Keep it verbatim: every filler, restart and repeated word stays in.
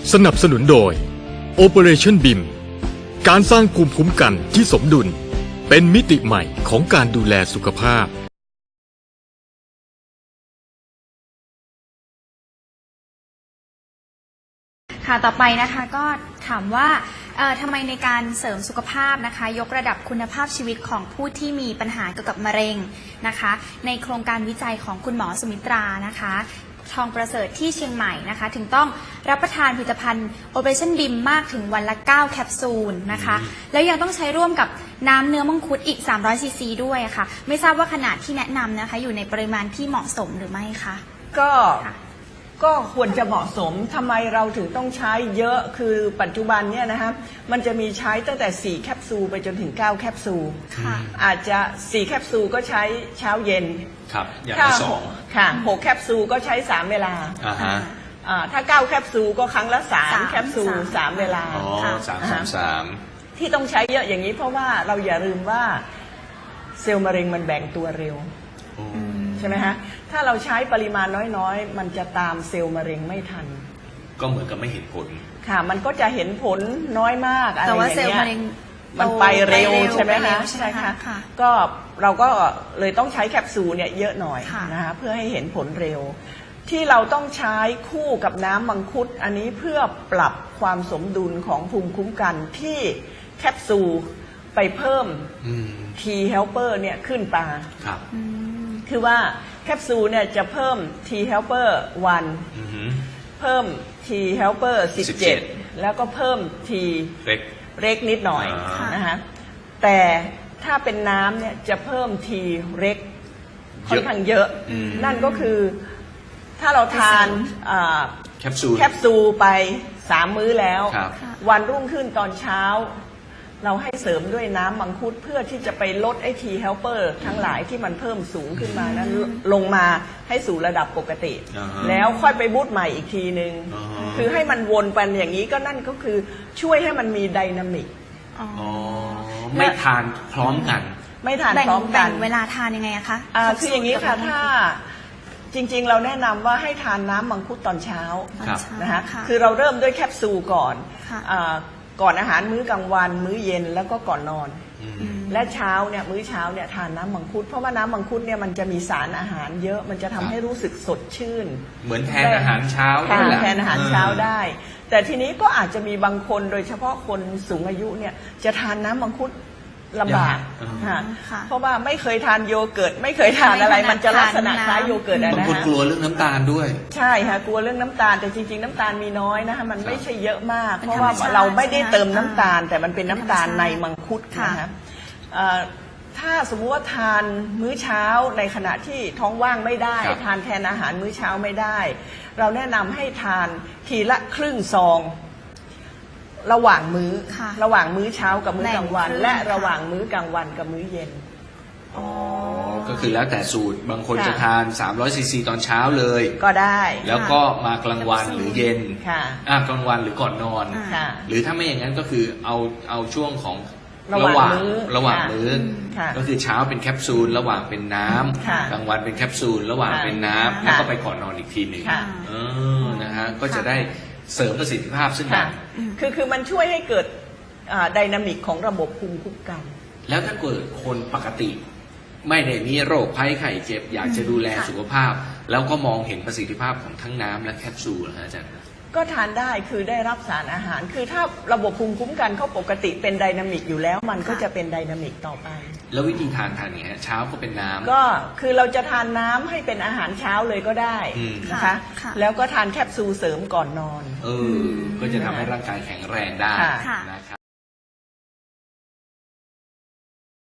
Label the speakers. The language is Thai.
Speaker 1: สนับสนุนโดย Operation บี ไอ เอ็ม การสร้างภูมิคุ้มกันที่สมดุลเป็นมิติใหม่ของการดูแลสุขภาพ
Speaker 2: ค่ะต่อไปนะคะก็ถามว่าเอ่อทำไมในการเสริมสุขภาพนะคะยกระดับคุณภาพชีวิตของผู้ที่มีปัญหาเกี่ยวกับมะเร็งนะคะในโครงการวิจัยของคุณหมอสุมิตรานะคะทองประเสริฐที่เชียงใหม่นะคะถึงต้องรับประทานผลิตภัณฑ์ Operation บี ไอ เอ็ม มากถึงวันละเก้าแคปซูลนะคะแล้วยังต้องใช้ร่วมกับน้ำเนื้อมังคุดอีกสามร้อยซีซีด้วยค่ะไม่ทราบว่าขนาดที่แนะนำนะคะอยู่ในปริมาณที่เหมาะสมหรือไม่คะ
Speaker 3: ก็ก็ควรจะเหมาะสมทำไมเราถึงต้องใช้เยอะคือปัจจุบันเนี่ยนะคะมันจะมีใช้ตั้งแต่สี่แคปซูลไปจนถึงเก้าแคปซูลอาจจะสี่แคปซูลก็ใช้เช้าเย็น
Speaker 4: ครับอย่างละสอง
Speaker 3: ค่ะหกแคปซูลก็ใช้สามเวลา
Speaker 4: อ่าฮะ
Speaker 3: ถ้าเก้าแคปซูลก็ครั้งละสามแคปซูลสามเวลา
Speaker 4: อ๋อสามสามสาม
Speaker 3: ที่ต้องใช้เยอะอย่างนี้เพราะว่าเราอย่าลืมว่าเซลล์มะเร็งมันแบ่งตัวเร็วใช่ไหมฮะถ้าเราใช้ปริมาณน้อยๆมันจะตามเซลล์มะเร็งไม่ทัน
Speaker 4: ก็เหมือนกับไม่เห็นผล
Speaker 3: ค่ะมันก็จะเห็นผลน้อยมากอะไรอย่างเงี้ย
Speaker 2: แต่ว่าเซลล์มะเร็ง
Speaker 3: มันไปเร็วใช่ไหมคะใช่ค่ะก็เราก็เลยต้องใช้แคปซูลเนี่ยเยอะหน่อยนะคะเพื่อให้เห็นผลเร็วที่เราต้องใช้คู่กับน้ำมังคุดอันนี้เพื่อปรับความสมดุลของภูมิคุ้มกันที่แคปซูลไปเพิ่ม T helper เนี่ยขึ้นตา
Speaker 4: ครับ
Speaker 3: คือว่าแคปซูลเนี่ยจะเพิ่ม T helper วันเพิ่ม T helper สิบเจ็ดแล้วก็เพิ่ม T
Speaker 4: เล็ก
Speaker 3: เล็กนิดหน่อยนะคะแต่ถ้าเป็นน้ำเนี่ยจะเพิ่ม T เล็กค่อนข้างเยอะนั่นก็คือถ้าเราทาน
Speaker 4: แคปซูล
Speaker 3: แคปซูลไปสามมื้อแล้ววันรุ่งขึ้นตอนเช้าเราให้เสริมด้วยน้ำมังคุดเพื่อที่จะไปลดไอทีเฮลเปอร์ทั้งหลายที่มันเพิ่มสูงขึ้นมานั้นลงมาให้สู่ระดับปกติ
Speaker 4: uh-huh.
Speaker 3: แล้วค่อยไปบูตใหม่อีกทีนึง
Speaker 4: uh-huh.
Speaker 3: คือให้มันวนไปอย่างนี้ก็นั่นก็คือช่วยให้มันมีไดนามิก
Speaker 4: uh-huh. ไม่ทานพร้อมกัน
Speaker 3: ไม่ทานพร้อมกัน
Speaker 2: เวลาทานยังไงคะ
Speaker 3: คืออย่างนี้ค่ะถ้าจริงๆเราแนะนำว่าให้ทานน้ำมังคุดตอนเช้านะคะคือเราเริ่มด้วยแคปซูลก่อนก่อนอาหารมื้อกลางวันมื้อเย็นแล้วก็ก่อนนอนและเช้าเนี่ยมื้อเช้าเนี่ยทานน้ำมังคุดเพราะว่าน้ำมังคุดเนี่ยมันจะมีสารอาหารเยอะมันจะทำให้รู้สึกสดชื่น
Speaker 4: เหมือนแทนอาหารเช้า
Speaker 3: แทนอาหารเช้าได้แต่ทีนี้ก็อาจจะมีบางคนโดยเฉพาะคนสูงอายุเนี่ยจะทานน้ำมังคุดลำบากเพราะว่าไม่เคยทานโยเกิร์ตไม่เคยทานอะไรมันจะลักษณะคล้ายโยเกิร์ตนะฮะ
Speaker 4: บางคนกลัวเรื่องน้ำตาลด้วย
Speaker 3: ใช่ค่ะกลัวเรื่องน้ำตาลแต่จริงๆน้ำตาลมีน้อยนะคะมันไม่ใช่เยอะมากเพราะว่าเราไม่ได้เติมน้ำตาลแต่มันเป็นน้ำตาลในมังคุดนะคะถ้าสมมติว่าทานมื้อเช้าในขณะที่ท้องว่างไม่ได้ทานแทนอาหารมื้อเช้าไม่ได้เราแนะนำให้ทานทีละครึ่งซองระหว่างมื้อระหว่างมื้อเช้ากับมื้อกลางวันและระหว่างมื้อกลางวันกับมื้อเย็น
Speaker 4: อ๋อก็คือแล้วแต่สูตรบางคนจะทานสามร้อยซีซีตอนเช้าเลย
Speaker 3: ก็ได้
Speaker 4: แล้วก็มากลางวันหรือเย็นอ่ากลางวันหรือก่อนนอนหรือถ้าไม่อย่างนั้นก็คือเอาเอาช่วงของระหว่างระหว่างมื้อก็คือเช้าเป็นแคปซูลระหว่างเป็นน้ำกลางวันเป็นแคปซูลระหว่างเป็นน้ำแล้วก็ไปก่อนนอนอีกทีหนึ่งเออนะฮะก็จะได้เสริมประสิทธิภาพซึ่งกัน
Speaker 3: คือคือมันช่วยให้เกิดไดนามิกของระบบภูมิคุ้มกัน
Speaker 4: แล้วถ้าเกิดคนปกติไม่ได้มีโรคภัยไข้เจ็บอยากจะดูแลสุขภาพแล้วก็มองเห็นประสิทธิภาพของทั้งน้ำและแคปซูลนะอาจารย์
Speaker 3: ก็ทานได้คือได้รับสารอาหารคือถ้าระบบภูมิคุ้มกันเขาปกติเป็นไดนามิกอยู่แล้วมันก็จะเป็นไดนามิกต่อไป
Speaker 4: แล้ววิธีทานทานอย่างนี้เช้าก็เป็นน้ำ
Speaker 3: ก็คือเราจะทานน้ำให้เป็นอาหารเช้าเลยก็ได้นะคะแล้วก็ทานแคปซูลเสริมก่อนนอน
Speaker 4: เออก็จะทำให้ร่างกายแข็งแรงได้นะครับ